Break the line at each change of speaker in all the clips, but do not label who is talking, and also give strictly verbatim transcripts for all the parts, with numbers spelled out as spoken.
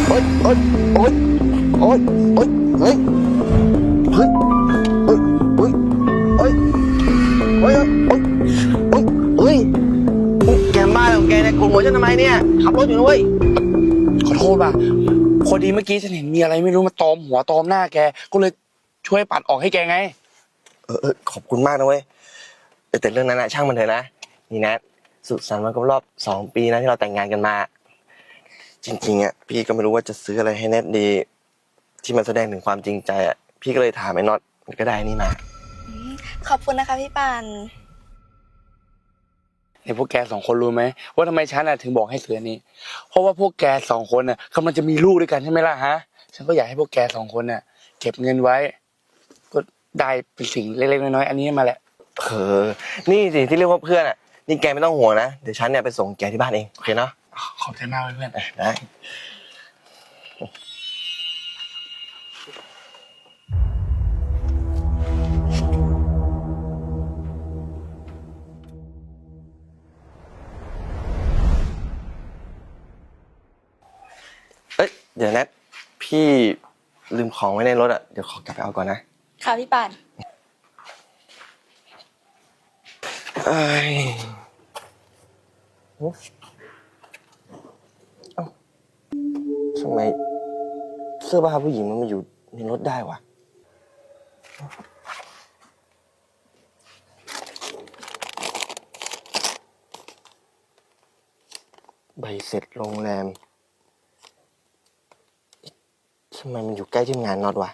โอ๊ยโอ๊ยโอ๊ยโอ๊ยโอ๊ยเฮ้ยเฮ้ยโอ๊ยโอ๊ยโอ๊ยโอ๊ยโอ๊ยโอ๊ยเฮ้ยแกบ้าของแกเนี่ยกลุ่มหัวฉันทำไมเนี่ยขับรถอยู่นะเว้ย
ขอโทษว่ะพอดีเมื่อกี้ฉันเห็นมีอะไรไม่รู้มาตอมหัวตอมหน้าแกก็เลยช่วยปัดออกให้แกไง
เออเออขอบคุณมากนะเว้ยแต่เรื่องนั้นนะช่างมันเถอะนะนี่นะสุขสันต์วันครบรอบสองปีนะที่เราแต่งงานกันมาจริงๆอ่ะพี่ก็ไม่รู้ว่าจะซื้ออะไรให้แนทดีที่มันแสดงถึงความจริงใจอ่ะพี่ก็เลยถามไอ้น็อตก็ได้นี่มา
ขอบคุณนะคะพี่ปาน
ไอ้พวกแกสองคนรู้ไหมว่าทำไมฉันน่ะถึงบอกให้ซื้ออันนี้เพราะว่าพวกแกสองคนน่ะกำลังจะมีลูกด้วยกันใช่ไหมล่ะฮะฉันก็อยากให้พวกแกสองคนน่ะเก็บเงินไว้ก็ได้เป็นสิ่งเล็กๆน้อยๆอันนี้มาแหละ
เออนี่สิที่เรียกว่าเพื่อนอ่ะนี่แกไม่ต้องห่วงนะเดี๋ยวฉันเนี่ยไปส่งแกที่บ้านเองโอเคเนาะ
ขอบใจมากเพื่อน
ได้เอ้ยเดี๋ยวแนทพี่ลืมของไว้ในรถอ่ะเดี๋ยวขอกลับไปเอาก่อนนะ
ค่ะพี่ปาน
เอ้ยเอ้าทำไมเสื้อผ้าผู้หญิงมันมาอยู่ในรถได้วะใบเสร็จโรงแรมทำไมมันอยู่ใกล้ที่ทำงานน็อตวะ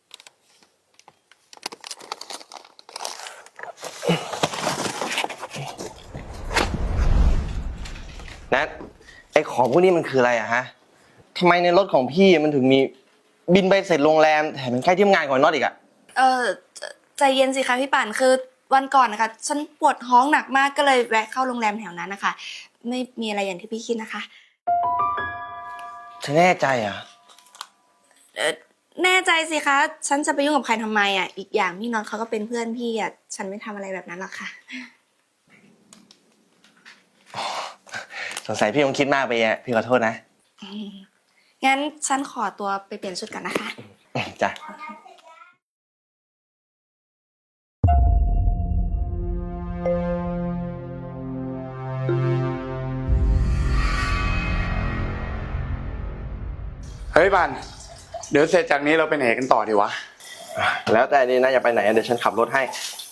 นัทไอของพวกนี้มันคืออะไรอะฮะทำไมในรถของพี่มันถึงมีบินใบเสร็จโรงแรมแถมมันใกล้ที่ทำงานของน็อตอีกอะ
เออใจเย็นสิคะพี่ปานคือวันก่อนนะคะฉันปวดท้องหนักมากก็เลยแวะเข้าโรงแรมแถวนั้นนะคะไม่มีอะไรอย่างที่พี่คิดนะคะ
ฉันแน่ใจอะ
เออแน่ใจสิคะฉันจะไปยุ่งกับใครทำไมอ่ะอีกอย่างพี่น็อตเขาก็เป็นเพื่อนพี่อ่ะฉันไม่ทำอะไรแบบนั้นหรอกค่ะ
สงสัยพี่คงคิดมากไปอะพี่ขอโทษนะ
งั้นฉันขอตัวไปเปลี่ยนชุดก่อนนะคะ
จ้ะ
เฮ้ยบันเดี๋ยวเสร็จจากนี้เราไปไหนกันต่อดีวะ
แล้วแต่นี่นะอย่าไปไหนเดี๋ยวฉันขับรถให้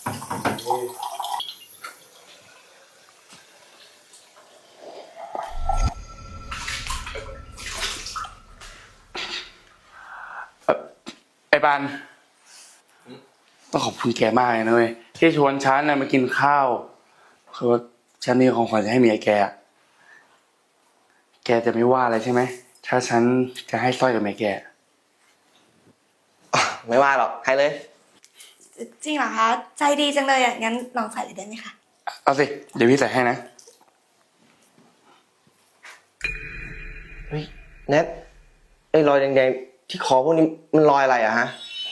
ไอ้บันต้องขอบคุณแกมากเลยนะเว้ยที่ชวนฉันน่ะมากินข้าวคือว่าฉันมีของขวัญจะให้เมียแกแกจะไม่ว่าอะไรใช่ไหมถ้าฉันจะให้สร้อยกับเมียแก
ไม่ว่าหรอกให้เลย
จริงเหรอคะใจดีจังเลยอ่ะงั้นลองใส่เลยได้ไหมคะ
เอาสิเดี๋ยวพี่ใส่ให้นะ
เฮ้ยแนทไอ้รอยแดงๆที่คอพวกนี้มันรอยอะไรอะฮะ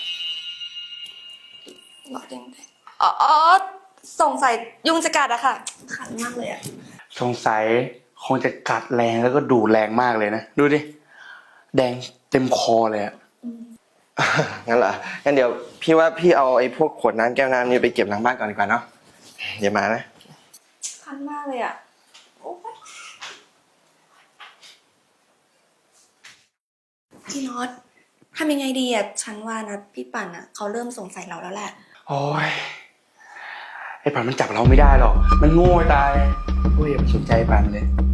รอยแดงๆอ๋อสงสัยยุงจะกัดอะค่ะคันมากเลยอะ
สงสัยคงจะกัดแรงแล้วก็ดูแรงมากเลยนะดูดิแดงเต็มคอเลยอะ
งั้นเหรองั้นเดี๋ยวพี่ว่าพี่เอาไอ้พวกขวดน้ำแก้วน้ำนี่ไปเก็บหลังบ้านก่อนดีกว่าเนาะเดี๋ยวมานะ
คันมากเลยอ่ะพี่น็อตทำยังไงดีอ่ะฉันว่านะพี่ปั่นอ่ะเขาเริ่มสงสัยเราแล้วแหละ
โอ้ยไอ้ปั่นมันจับเราไม่ได้หรอกมันโง่ตายโอ้ยอย่าไปสนใจปั่นเลย